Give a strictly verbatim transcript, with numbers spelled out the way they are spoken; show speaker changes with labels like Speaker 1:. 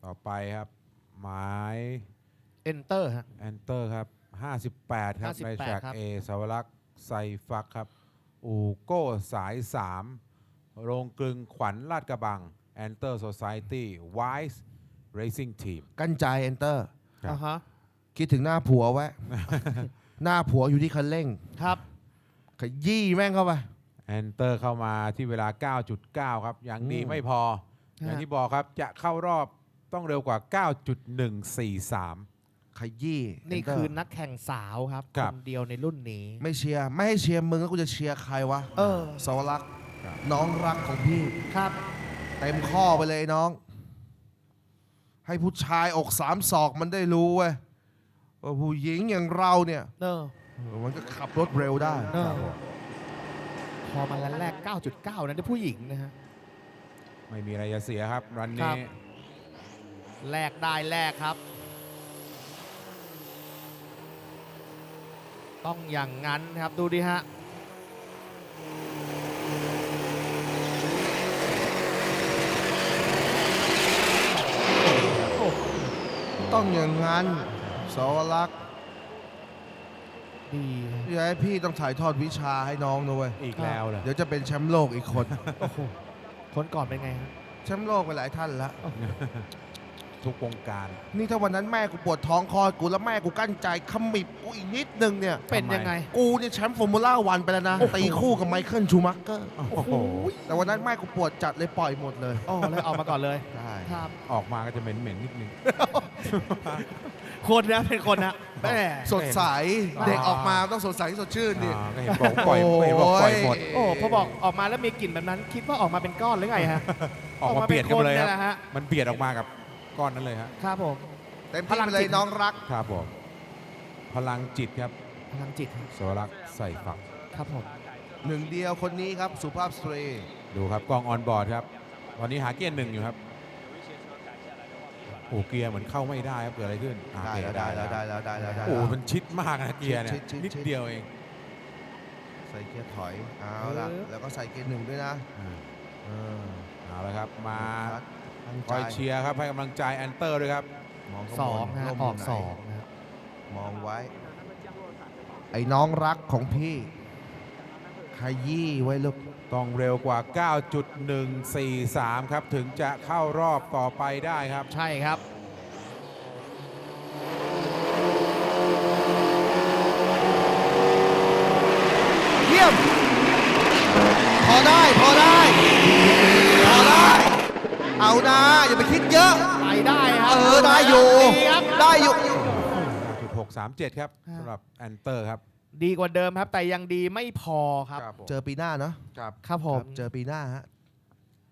Speaker 1: ต่อไปครับหมาย
Speaker 2: Enter ฮะ
Speaker 1: Enter ครับห้าสิบแปดครับใน
Speaker 2: ห้าสิบแปด
Speaker 1: แทร็ก
Speaker 2: ครับ
Speaker 1: A สาวรักษ์ไซฟักครับอูโก้สายสามโรงกลึงขวัญลาดกระบัง Enter Society Wise Racing Team
Speaker 3: กั้นใจ Enter
Speaker 1: ครับ
Speaker 2: อ่าฮะ
Speaker 3: คิดถึงหน้าผัวไว้ หน้าผัวอยู่ที่คันเร่ง
Speaker 2: ครับ
Speaker 3: ขยี้แม่งเข้าไป
Speaker 1: Enter เข้ามาที่เวลา เก้าจุดเก้า ครับอย่างดี
Speaker 3: อืม
Speaker 1: ไม่พอ อย่างที่บอกครับจะเข้ารอบต้องเร็วกว่า เก้าจุดหนึ่งสี่สาม
Speaker 3: ขยี้
Speaker 2: นี่
Speaker 3: Enter
Speaker 2: คือนักแข่งสาวครับ
Speaker 1: ครับ
Speaker 2: คนเดียวในรุ่นนี้
Speaker 3: ไม่เชียร์ไม่ให้เชียร์มึงแล้วกูจะเชียร์ใครวะ
Speaker 2: เออ
Speaker 3: สาวรักษ์น้องรักของพี่
Speaker 2: ครับ
Speaker 3: เต็มข้อไปเลยน้อง ให้ผู้ชายอกสามศอกมันได้รู้เว้ยว่าผู้หญิงอย่างเราเนี่ย
Speaker 2: เออ
Speaker 3: เออมันก็ขับรถเร็วได้
Speaker 2: เออพอมาแรก เก้าจุดเก้า นั้นได้ผู้หญิงนะฮะ
Speaker 1: ไม่มีอะไรจะเสียครับรัน
Speaker 2: ครั
Speaker 1: นี้
Speaker 2: บ แลกได้แลกครับ ต้องอย่างนั้นครับดูดิฮะ
Speaker 3: ต้องอย่างนั้นสาวรักษ์
Speaker 2: ดี
Speaker 3: อย่าให้พี่ต้องถ่ายทอดวิชาให้น้องนะเว้ย
Speaker 1: อีกแล้วเหรอ
Speaker 3: เดี๋ยวจะเป็นแชมป์โลกอีกคน
Speaker 2: โอ้โหคนก่อนเป็นไงฮะ
Speaker 3: แชมป์โลกไปหลายท่านแล้ว
Speaker 1: ทุกวงการ
Speaker 3: นี่ถ้าวันนั้นแม่กูปวดท้องคลอดกูแล้วแม่กูกั้นใจขมิบกูอีกนิดนึงเนี่ย
Speaker 2: เป็นยังไง
Speaker 3: กูเนี่ยแชมป์ฟอร์มูล่าวันไปแล้วนะ ตีคู่กับไมเคิลชูมักเกอร์
Speaker 1: โอ้โห
Speaker 3: แต่วันนั้นแม่กูปวดจัดเลยปล่อยหมดเลย
Speaker 2: อ๋อเลยออกมาก่อนเลย
Speaker 3: ใช่
Speaker 2: ครับ
Speaker 1: ออกมาก็จะเหม็นๆนิดนึง
Speaker 2: คนนะเป็นคนนะแม่
Speaker 3: สดใส
Speaker 1: อ๋อ
Speaker 3: เด็กออกมาต้องสดใสสดชื่นดิ
Speaker 1: อ่าก็เห็นบอกปล่อย
Speaker 3: โอ้ย
Speaker 1: เห็นบอกปล่อยหมด
Speaker 2: โอ้พอบอกออกมาแล้วมีกลิ่นแบบนั้น คิดว่าออกมาเป็นก้อนหรือไงฮะ
Speaker 1: ออกมาเบียดกันเลยค
Speaker 2: ออกมาเป็นคนเนี่ย
Speaker 1: รับ
Speaker 2: แหละฮะ
Speaker 1: มันเบียดออกมากับก้อนนั้นเลยฮะ
Speaker 2: ครับผม
Speaker 3: เต็มที่ไปเลยน้องรัก
Speaker 1: ครับผมพลังจิตครับ
Speaker 2: พลังจิตครับ
Speaker 1: สวรักษ์ใส่ฝัก
Speaker 2: ครับผม
Speaker 3: หนึ่งเดียวคนนี้ครับ สุภาพสตรี
Speaker 1: ดูครับกล้องออนบอร์ดครับตอนนี้หาเกียร์หนึ่งอยู่ครับโอ้เกียร์เหมือนเข้าไม่ได้ครับเกิดอะไรขึ้นอ่า
Speaker 3: ได้
Speaker 1: โอเค
Speaker 3: แล้วได้แล้วได้แล้วได้แล้วได้
Speaker 1: โอ้
Speaker 3: แล้ว
Speaker 1: มันชิดมากนะเกียร์เนี่ย
Speaker 3: ชิดชิดชิด
Speaker 1: นิดเดียวเอง
Speaker 3: ใส่เกียร์ถอยเอาละแล้วก็ใส่เกียร์หนึ่งด้วยนะ
Speaker 1: อ่า
Speaker 3: เออ
Speaker 1: เอาละครับมา
Speaker 3: ตั้ง
Speaker 1: ค
Speaker 3: ใจ
Speaker 1: อยเชียร์ครับให้กำลังใจแอนเตอร์ด้วยครับ
Speaker 3: มองข้า
Speaker 2: ส
Speaker 3: บ
Speaker 2: อง
Speaker 3: น
Speaker 2: ฮะ
Speaker 3: ร่ม
Speaker 2: ออก
Speaker 3: ยู่ไหน
Speaker 2: สองนะครับ
Speaker 3: มองไว้ ไอ้น้องรักของพี่ขยี้ไว้ลูก
Speaker 1: ต้องเร็วกว่า เก้าจุดหนึ่งสี่สาม ครับถึงจะเข้ารอบต่อไปได้ครับ
Speaker 2: ใช่ครับ
Speaker 3: เยี่ยม พอได้พอได้พอได้ เอานะอย่าไปคิดเยอะ
Speaker 2: ไปได้ครั
Speaker 3: เออได้อยู่
Speaker 2: ดีครับ
Speaker 3: ได้อยู่
Speaker 1: เก้าจุดหกสามเจ็ด ครับสำหรับแอนเตอร์ครับ
Speaker 2: ดีกว่าเดิมครับ แต่ยังดีไม่พอครับ
Speaker 1: ผม
Speaker 3: เจอปีหน้าเนาะ
Speaker 1: ครับ
Speaker 2: ครับผม
Speaker 3: เจอปีหน้าฮะ